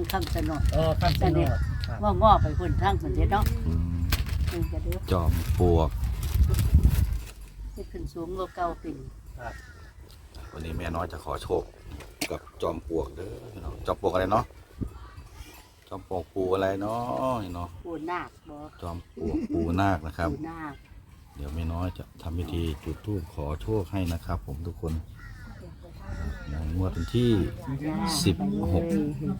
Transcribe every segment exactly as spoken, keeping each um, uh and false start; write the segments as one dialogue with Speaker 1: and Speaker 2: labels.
Speaker 1: คำสนด
Speaker 2: เออคำสนด
Speaker 1: ว่างอไปคนทางคนเดียวเนาะ
Speaker 3: จอมปลวก
Speaker 1: ที่ขึ้นสูงกว่าเก่าปี
Speaker 3: วันนี้แม่น้อยจะขอโชคกับจอมปลวกเด้อเนาะจอมปลวกอะไรเนาะจอมปลวกปูอะไรเนาะเนาะ
Speaker 1: ปูนาคบ่
Speaker 3: จอมปลวกปูนาคนะครับ
Speaker 1: ปูนาค
Speaker 3: เดี๋ยวแม่น้อยจะทำพิธีจุดธูปขอโชคให้นะครับผมทุกคนในงวดวันที่สิบหก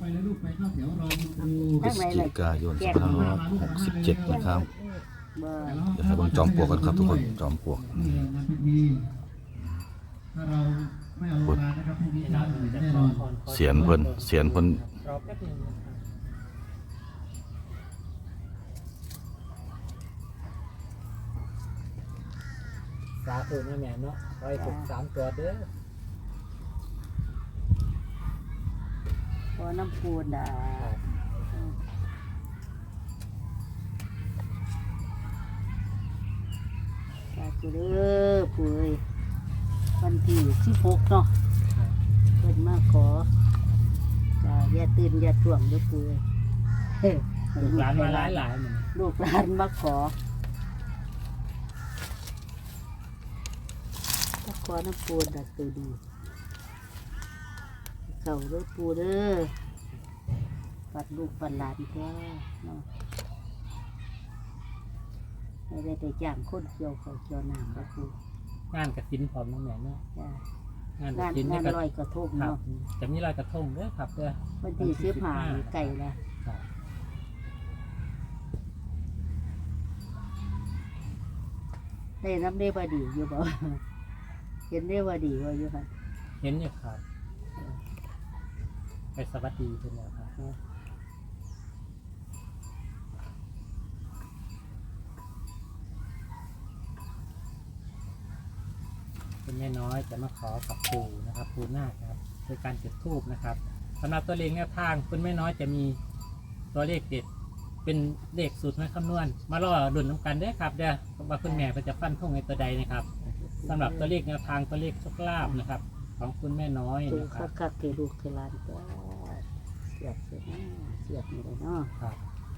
Speaker 3: พฤศจิกายนสองพันห้าร้อยหกสิบเจ็ดนะครับเดี๋ยวให้เบิ่งจอมปลวกกันครับทุกคนจอมปลวกเสียนเพิ่นเสียนเพิ่น
Speaker 2: สาธุนะแม่เนาะไว้ถูกสามตัวเด้อ
Speaker 1: พอน้ำปูนอ่ะสาธุเด้อปุ้ยวันที่สิบหกเนาะเพิ่นมาขออย่าตื่นอย่าถ่วงเด้อปุ้ย
Speaker 2: ลูกหลานมาหลายหลายเหมือน
Speaker 1: ลูกหลานมาขอมาขอน้ำปูนอ่ะตัวดีเก่าด้วยปูเด้อปัดลูกปัดหลานแท้เนาะไม่ได้แต่จ้างคนเกี่ยวเขาเกี่ยวน้ำแล้วปู
Speaker 2: งานกระถินพร้อมน้องแม่เนาะ
Speaker 1: งานกระถินงานลอยกระทงเนาะ
Speaker 2: จะมีลอยกระทงเด้อครับเด้อ
Speaker 1: วันที่สิบห้าไก่ละได้น้ำได้บดีอยู่บ่เห็นได้บดีว่าอยู่ค่ะ
Speaker 2: เห็นอยู่ครับไปสวัสดีเป็นแล้วครับเป็นแม่น้อยจะมาขอกับปู่นะครับปู่นาคครับโดยการจุดธูปนะครับสำหรับตัวเลขแนวทางคุณแม่น้อยจะมีตัวเลขเด็ดเป็นเลขสูตรมาคำนวณมาล่อดุลน้ำกันได้ครับเด้อว่าคุณแม่จะฟันท่งในตัวใดนะครับสำหรับตัวเลขแนวทางตัวเลขโชคลาภนะครับของคุณแม่น้อย
Speaker 1: นะครับคักๆเกลูกเกลานก็เสียบเสียบเสียบนี่เลยเนาะ
Speaker 2: ครับ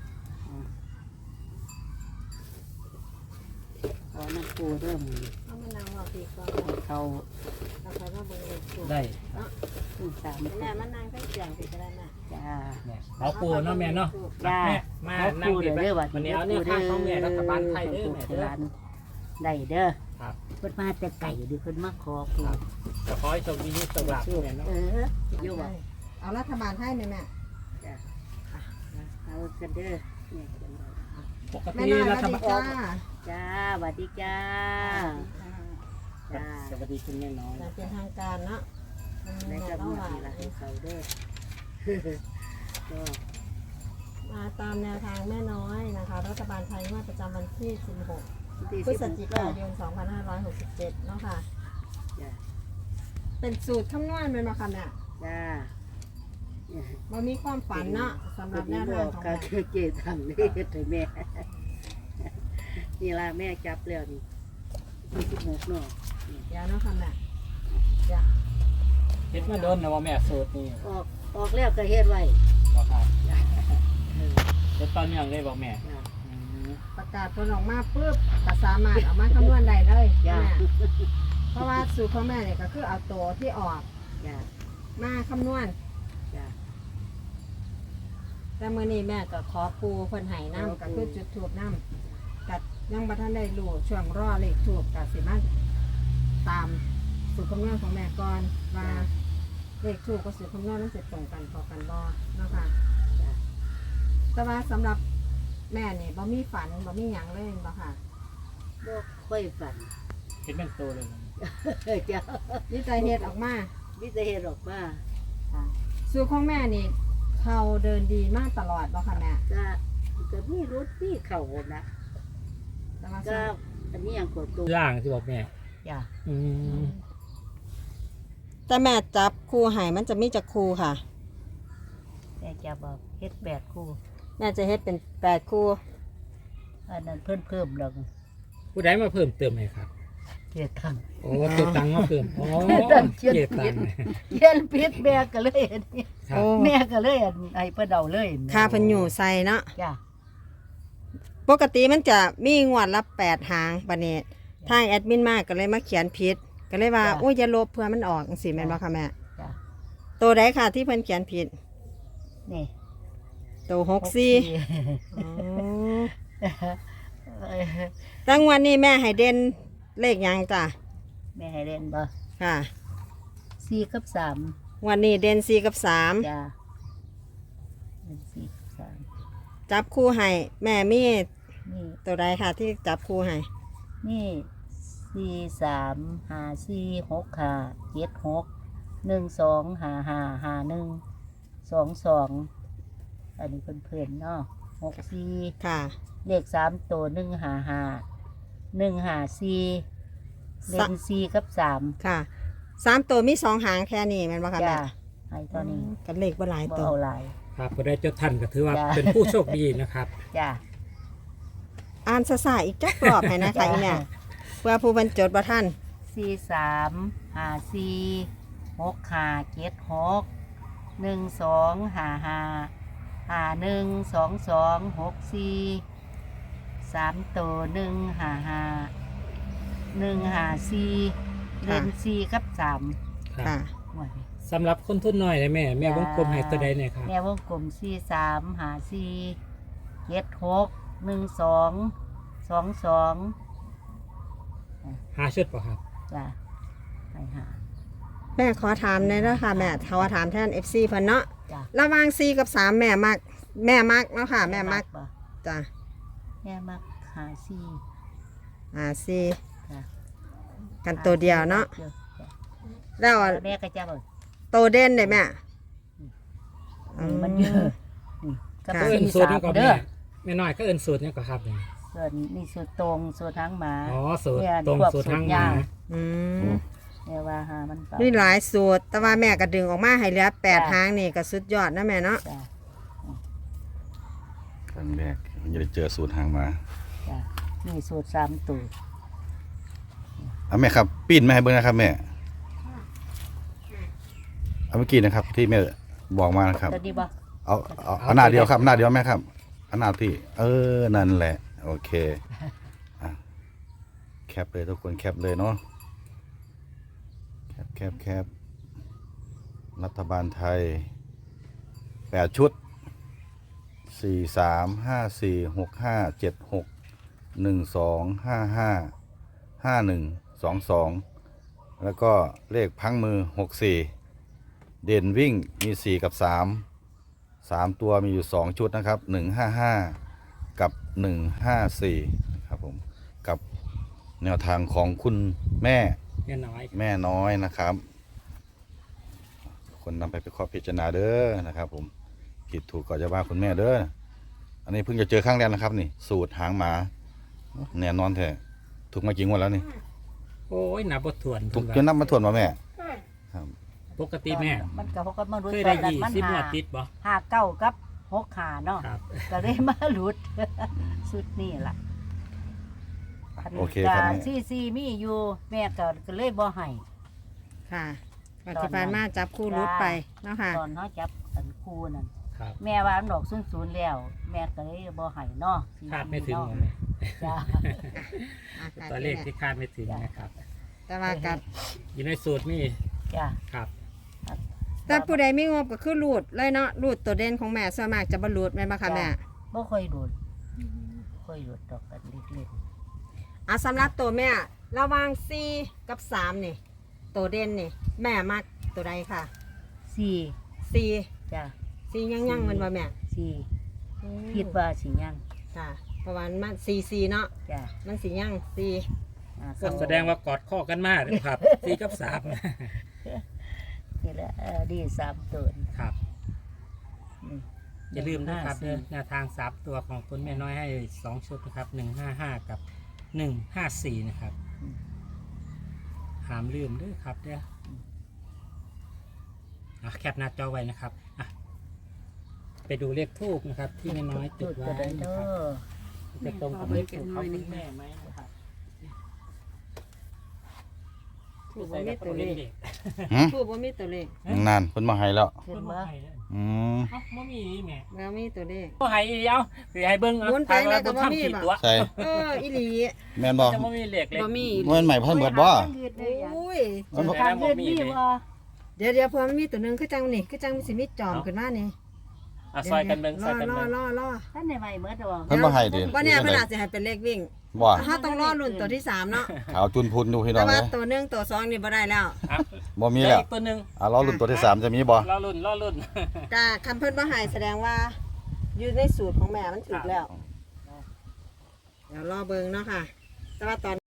Speaker 1: ขอน้ำปูเริ่ม
Speaker 4: เอามานางว่าปีก่อน
Speaker 1: เขา
Speaker 4: เราใครว่าเบอร์
Speaker 2: ได้
Speaker 1: สาม
Speaker 4: แม่มานางให้เสียงปีก็ได้น่ะ
Speaker 1: จ้า
Speaker 2: เอาปูเนาะแม่เนาะ
Speaker 1: จ้า
Speaker 2: มานั่งดีไปวันนี้เอาเนี่ยข้างของแม่รัฐบาลไทยเด้อแม่เด้อ
Speaker 1: ได้เด้อเพิ่นมาแต่ไก่ดิเพิ่นมาขอปู
Speaker 2: จะขอให้โชคดีนี่สำหรับแม่เนาะ
Speaker 1: เอออยู่บ่
Speaker 4: เอารัฐบาลให้แม่แม่
Speaker 1: จ้าเอากันเด้อ
Speaker 2: ปกติรัฐบาล
Speaker 1: จ้าสวัสดีจ้า
Speaker 2: จ้าสวัสดีคุณแม่น้อย
Speaker 4: เป็นทางการเนาะ
Speaker 1: ในกระบอกนี่ละให้เขาเด้อก็
Speaker 4: มาตามแนวทางแม่น้อยนะคะรัฐบาลไทยงวดประจำวันที่สิบหกพฤศจิกายนสองพันห้าร้อยหกสิบเจ็ดเนาะค่ะเป็นสูตรคำนวณเป็นมาค่ะเนี่ย
Speaker 1: จ้า
Speaker 4: มันมีความฝันเนาะสำหรับแนวทางของ
Speaker 1: การเกตังนี่ถึงแม่นี่ละแม่จับแล้วนี่ยี่สิบหกเนาะ
Speaker 4: ยาเนาะค่ะแม่จ้า
Speaker 2: เฮ็ดมาโดนนะว่าแม่สูตรนี่
Speaker 1: ออกออกแล้วก็เฮ็ดไว้
Speaker 2: บ่ครับเฮ็ดตอนยังได้บอกแม่
Speaker 4: ประกาศผลออกมาปุ๊บก็สามารถเอามาคำนวณได้เลยแม่เพราะว่าสูตรของแม่เนี่ยก็คือเอาตัวที่ออกมาคำนวณแต่มื้อนี้แม่ก็ขอปูเพิ่นให้น้ำก็คือจุดธูปน้ำกัดยังบ่ทันได้รู้ช่วงรอเลขธูปก็สิมาตามสูตรคำนวณของแม่ก่อนว่าเลขธูปกับสูตรคำนวณนั้นสิตรงกันพอกันบ่เนาะค่ะแต่ว่าสำหรับแม่นี่บ่มีฝันบ่มีหยังเลยบ่ค่ะ
Speaker 1: บ่ค่อยฝัน
Speaker 2: เฮ็ดเป็นโตเลย
Speaker 1: จ้า
Speaker 4: วิจัยเฮ็ดออกมา
Speaker 1: วิจัยเฮ็ดออกมา
Speaker 4: สูตรของแม่นี่เขาเดินดีมากตลอดบ่ค่ะแม่
Speaker 1: ก็ก็มีรถมีเข่านะก็อันนี้ยังกดตัว
Speaker 2: ล่างที่บอกแม่
Speaker 1: จ้า
Speaker 4: อืมแต่แม่จับคู่ให้มันจะมีจักคู่ค่ะ
Speaker 1: แม่จะบอกเฮ็ดแปดคู่
Speaker 4: แม่จะเฮ็ดเป็นแปดคู่
Speaker 1: อันนั้นเพิ่มเพิ่มลง
Speaker 2: ผู้ใดมาเพิ่มเติมไหมครับ
Speaker 1: เกียรตัง
Speaker 2: โอ้เกียรตังมาเพิ่มโอ้
Speaker 1: เกียรตังเกียรปิดแบกกันเลย
Speaker 2: ครับ
Speaker 4: โอ้
Speaker 1: แม่ก็เลยอันให้เพิ่นเอาเลย
Speaker 4: ค่าเพิ่นอยู่ใส่เนาะ
Speaker 1: จ้ะ
Speaker 4: ปกติมันจะมีงวดละแปดหางบัดนี้ทางแอดมินมาก็เลยมาเขียนผิดก็เลยว่าโอ้ยอย่าลบเพื่อมันออกจังซี่แม่นบ่คะแม่
Speaker 1: จ้ะ
Speaker 4: ตัวใดค่ะที่เพิ่นเขียนผิด
Speaker 1: นี่
Speaker 4: ตัวหกสี่อ๋อตั้งวันนี้แม่ให้เด่นเลขหยังจ้ะ
Speaker 1: แม่ให้เล่นบ่
Speaker 4: ค่ะ
Speaker 1: สี่กับสาม
Speaker 4: วันนี้เด่นสี่กับสาม
Speaker 1: จ้ะเล่นสี่กับสาม
Speaker 4: จับคู่ให้แม่มี
Speaker 1: นี่
Speaker 4: ตัวใดค่ะที่จับคู่ให้
Speaker 1: นี่สี่สามห้าสี่หกห้าเจ็ดหกหนึ่งสองห้าห้าห้าหนึ่งสองสองอันนี้เพื่อนๆเนาะหกสี่
Speaker 4: ค่ะ
Speaker 1: เลขสามตัวหนึ่งห้าห้าหนึ่งห้าสี่เล่นสี่กับสาม
Speaker 4: ค่ะสามตัวมีสองหางแค่นี้แม่นบ่คะ
Speaker 1: จ้า
Speaker 4: แม่
Speaker 1: ให้ตอนนี้
Speaker 4: กันเลขบ่หลาย
Speaker 1: บ่
Speaker 4: ตัว
Speaker 1: เอาหลาย
Speaker 2: ครับผู้ใดจดทันก็ถือว่า
Speaker 1: จ้ะ
Speaker 2: เป็นผู้โชคดีนะครับ
Speaker 1: จ้า
Speaker 4: อ่านซะๆอีกจักรอบให้นะคะ อีแม่เพื่อผู้บรรจดบ่ทัน
Speaker 1: สี่สามห้าสี่หกห้าเจ็ดหกหนึ่งสองห้าห้าห้าหนึ่งสองสองหกสี่สามตัวหนึ่งห้าห้าหนึ่งห้าสี่เล่นสี่กับสาม
Speaker 2: ครับ
Speaker 4: ค่ะ
Speaker 1: หมดเลย
Speaker 2: สำหรับคนทุนน้อยเลยแม่แม่วงกลมให้ตัวใดเนี่ยครับ
Speaker 1: แม่วงกลมสี่สามห้าสี่เจ็ดหกหนึ่งสองสองสอง
Speaker 2: หาชุดป่ะครับ
Speaker 1: จ้าไปหา
Speaker 4: แม่ขอถามหน่อยเด้อค่ะแม่ขอถามแทน เอฟ ซี เพิ่นเนาะ
Speaker 1: จ้า
Speaker 4: ระหว่างสี่กับสามแม่มัก แม่มักเนาะค่ะ แม่มัก
Speaker 1: บ่
Speaker 4: จ้ะ
Speaker 1: แม่มักหาสี่
Speaker 4: อ่าสี่
Speaker 1: จ้า
Speaker 4: กันตัวเดียวเนาะ
Speaker 1: จ้ะ
Speaker 4: แล้ว
Speaker 1: แม่ก็จะบอก
Speaker 4: ตัวเด่นได้แม่
Speaker 1: นี่มันเยอะนี่ก็
Speaker 4: ค่ะ
Speaker 2: ก็
Speaker 1: เป็น
Speaker 2: เอิน
Speaker 1: สี่
Speaker 2: สูตร
Speaker 1: สาม
Speaker 2: นี่ก็
Speaker 1: เด้
Speaker 2: แม่
Speaker 1: อ
Speaker 2: แม่น้อยก็เอินสูตรนี่ก็ครับเนี่ย
Speaker 1: ส่วนนี่สูตรตรงสูตรทางหมา
Speaker 2: อ๋อสูตร
Speaker 1: เนี่ย
Speaker 2: ตรง
Speaker 1: พวก
Speaker 2: สูตรทั้ง
Speaker 1: สูตร
Speaker 2: ห
Speaker 1: ยา
Speaker 2: มา
Speaker 4: อืม
Speaker 1: แม่ว่าหามันเปล่า
Speaker 4: มีหลายสูตร แต่ว่าแม่ก็ดึงออกมาให้เหลือแปด
Speaker 1: จ้ะ
Speaker 4: หางนี่ก็สุดยอดนะแม่เนาะ
Speaker 1: จ้า
Speaker 3: ครั้งแรกมันจะได้เจอสูตรหางมา
Speaker 1: จ้านี่สูตรสามตัว
Speaker 3: อ่ะแม่ครับปิ้นแม่ให้เบิ่งนะครับแม่เอาเมื่อกี้นะครับ ที่แม่บอกมานะครับ
Speaker 1: ตัวนี้บ่
Speaker 3: เอาเอาเอาหน้าเดียวครับหน้าเดียวแม่ครับเอาหน้าที่ เออนั่นแหละ โอเคอ่ะแคปเลยทุกคนแคปเลยเนาะแคปแคปแคปรัฐบาลไทยแปดชุดสี่สามห้าสี่หกห้าเจ็ดหกหนึ่งสองห้าห้าห้าหนึ่งสองสองแล้วก็เลขพังมือหกสี่เด่นวิ่งมีสี่กับสามสามตัวมีอยู่สองชุดนะครับหนึ่งห้าห้ากับหนึ่งห้าสี่ครับผมกับแนวทางของคุณแม่
Speaker 2: แม่น้อยครับ
Speaker 3: แม่น้อยนะครับ คนนำไปไปขอพิจารณาเด้อนะครับผมผิดถูกก็จะว่าคุณแม่เด้ออันนี้เพิ่งจะเจอครั้งแรกนะครับนี่ สูตรหางหมาแน่นอนแท้ถูกมากี่งวดแล้วนี่
Speaker 2: โอ้ยนับบทถ่วน
Speaker 3: ถูกจ
Speaker 2: เพิ่
Speaker 3: น
Speaker 2: น
Speaker 3: นั
Speaker 2: ว่า
Speaker 3: บมาทวนมาแม่ครับ
Speaker 2: ปกติแม่
Speaker 1: มันก็เขาก็มารู้
Speaker 2: เคย
Speaker 1: ต
Speaker 2: ได้
Speaker 1: อนนั้น
Speaker 2: ยี่
Speaker 1: มัน
Speaker 2: สิบ
Speaker 1: หา
Speaker 2: หวดติดบ่
Speaker 1: หาเก้ากับหกขาเนาะ
Speaker 2: ครับ
Speaker 1: ก็เลยมาหลุด สุดนี่ล่ะ
Speaker 3: โอเคครับแม่
Speaker 1: ซีซีมีอยู่แม่ก็ก็เลยบ่ให้
Speaker 4: ค่ะปัจจุบันมาจับคู่รุดไปเนาะค่ะ
Speaker 1: ตอนเขาจับอันคู่นั่น
Speaker 2: ครับ
Speaker 1: แม่ว่าอันดอกศูนย์ศูนย์แล้ว แม่ก็เลยบ่ให้เนาะ
Speaker 2: คาดไม่ถึง
Speaker 1: เนาะ
Speaker 2: แม่
Speaker 1: จ้า
Speaker 2: ตัวเลขที่คาดไม่ถึงนะครับ
Speaker 4: แต่ว่ากับ
Speaker 2: อยู่ในสูตรนี่
Speaker 1: จ้า
Speaker 2: ครับ
Speaker 4: แต่ผู้ใดมีงบก็คือรูดเลยเนาะรูดตัวเด่นของแม่ส่วนมากจะบรรลุดแม่นบ่คะแม่
Speaker 1: บ่ค่อยโดนบ่ค่อยโดนดอกกันเล็ก
Speaker 4: อ่ะสำหรับตัวแม่ระหว่างสี่กับสามนี่ตัวเด่นนี่ แม่มักตัวใดค่ะ
Speaker 1: ๆสี่
Speaker 4: สี่
Speaker 1: จ้า
Speaker 4: สี่ยังยังๆมันว่าแม่
Speaker 1: สี่คิดว่าสิยัง
Speaker 4: ค่ะประมาณมันสี่สี่เนาะ
Speaker 1: จ้า
Speaker 4: มันสี่ยังสี่
Speaker 1: อ่า
Speaker 2: ก็แสดงว่ากอดข้อกันมากเลยครับสี่กับสาม
Speaker 1: นี่แหละเออดีสามตัวนี่
Speaker 2: ครับ
Speaker 1: นี่
Speaker 2: อย่าลืมนะครับ
Speaker 1: ห้าสี่
Speaker 2: แนวทางสามตัวของคุณแม่น้อยให้สองชุดนะครับหนึ่งห้าห้ากับหนึ่งห้าสี่นะครับหามลืมด้วยครับเด้ออ่ะแคปหน้าจอไว้นะครับอ่ะไปดูเลขทูบนะครับ ที่แม่น้อยจุ
Speaker 1: จุ
Speaker 2: ด
Speaker 1: ด
Speaker 2: ไว้
Speaker 1: ตัวใด
Speaker 2: นะ
Speaker 1: เด้
Speaker 2: ครับ
Speaker 1: อ
Speaker 2: จะตรงกับเลขทูบของคุณแม่ไหมนะครับ
Speaker 4: ถูกบ่มีตัวเลข
Speaker 3: หืม
Speaker 4: ถูกบ่มีตัวเลข
Speaker 3: นานเพิ่นมาให้แล้ว
Speaker 1: เห็น
Speaker 2: คุณ
Speaker 1: บ่
Speaker 2: ว่าไงเนี่ย
Speaker 3: อืม
Speaker 2: เอ้าบ่มีอีแม่
Speaker 4: แล้วมีตัวเลข
Speaker 2: บ่ให้อีเอาสิให้เบิ่งเอา
Speaker 4: หมุนไปไหนก็บ่มี
Speaker 2: ผิด
Speaker 4: บ่
Speaker 2: ตัว
Speaker 3: ใช่
Speaker 4: เอออีหลี
Speaker 3: แม่นบ่
Speaker 2: จะบ่มีเลขเลย
Speaker 4: บ่มี
Speaker 3: มันใหม่พันเบิดบ่
Speaker 4: โอ้ย
Speaker 3: มันบ่
Speaker 1: การเงินมีบ่
Speaker 4: เดี๋ยวเดี๋ยวเพิ่นมันมีตัวหนึงคือจังนี่คือจังสิมีจอมขึ้นมานี่
Speaker 2: อ่ะซอยกันเบิ่ง
Speaker 4: ร
Speaker 2: ซอ
Speaker 4: อย
Speaker 2: กัน
Speaker 4: รอ
Speaker 2: เบิ่ง
Speaker 4: รอรอ
Speaker 1: ท่านในใหม่เมื่อตัว
Speaker 3: เพิ่นบ่ให้ดิ
Speaker 4: บ่เนี่ยเพิ่นอาจสิให้เป็นเลขวิ่ง
Speaker 3: บ่
Speaker 4: ถ้าต้องรอรุ่นตัวที่สามเนาะ
Speaker 3: ขาวจุนพุนดูพี่น้
Speaker 4: แต่
Speaker 3: อง
Speaker 4: ว่า
Speaker 3: เอ้ย
Speaker 4: ตัวหนึ่งตัวสองนี่บ่ได้แล้ว
Speaker 2: อ่ะ
Speaker 3: บ่มี
Speaker 2: เหลื
Speaker 3: แล้
Speaker 2: อ
Speaker 3: ว
Speaker 2: อีกตัวหนึง
Speaker 3: อ่ะรอรุ่นตัวที่สามจะมีบ่
Speaker 2: รอรุ่นรอรุ่น
Speaker 4: กาคันเพิ่นบ่ให้แสดงว่า อยู่ในสูตรของแม่มันถูกแล้ว เดี๋ยวรอเบิ่งเนาะค่ะ แต่ว่าตอน